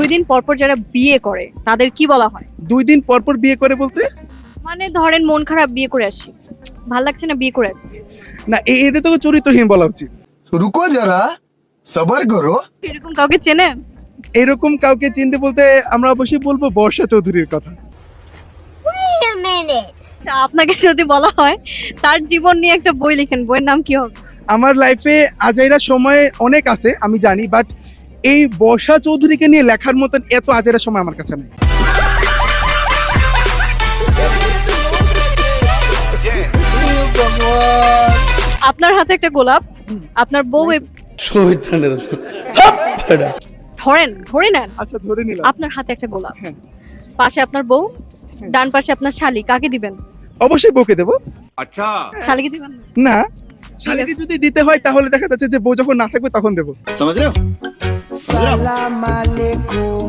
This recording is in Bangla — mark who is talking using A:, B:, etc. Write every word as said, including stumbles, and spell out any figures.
A: দুই দিন পর পর যারা বিয়ে করে তাদের কি বলা হয়?
B: দুই দিন পর পর বিয়ে করে বলতে?
A: মানে ধরেন মন খারাপ, বিয়ে করে আসি, ভাল লাগছে না, বিয়ে করে আসি।
B: না, এ- এদের তো চরিত্রহীন বলা উচিত।
C: रुको जरा सबर करो।
A: এরকম কাউকে চেনেন?
B: এরকম কাউকে চিনতে বলতে আমরা অবশ্যই বলবো বর্ষা চৌধুরীর কথা।
D: Wait a minute.
A: আচ্ছা, আপনাকে যদি বলা হয় তার জীবন নিয়ে একটা বই লিখেন, বইয়ের নাম কি হবে?
B: আমার লাইফে আজাইরা সময় অনেক আছে আমি জানি, বাট এই বর্ষা চৌধুরীকে নিয়ে লেখার মতন এত আজাইরা সময় আমার কাছে নেই।
A: আপনার হাতে একটা গোলাপ, আপনার বউ এ- ধরেন, ধরে নেন
B: আচ্ছা, ধরে নিলাম।
A: আপনার হাতে একটা গোলাপ,
B: হ্যাঁ।
A: পাশে আপনার বউ, ডান পাশে আপনার শালি, কাকে দিবেন?
B: অবশ্যই বউকে দেবো।
A: শালিকে দিবেন না?
B: না, শালীকে যদি দিতে হয় তাহলে দেখা যাচ্ছে যে বউ যখন না থাকবে তখন দেবো।
C: समझ रहे हो?
E: Salam alaikum.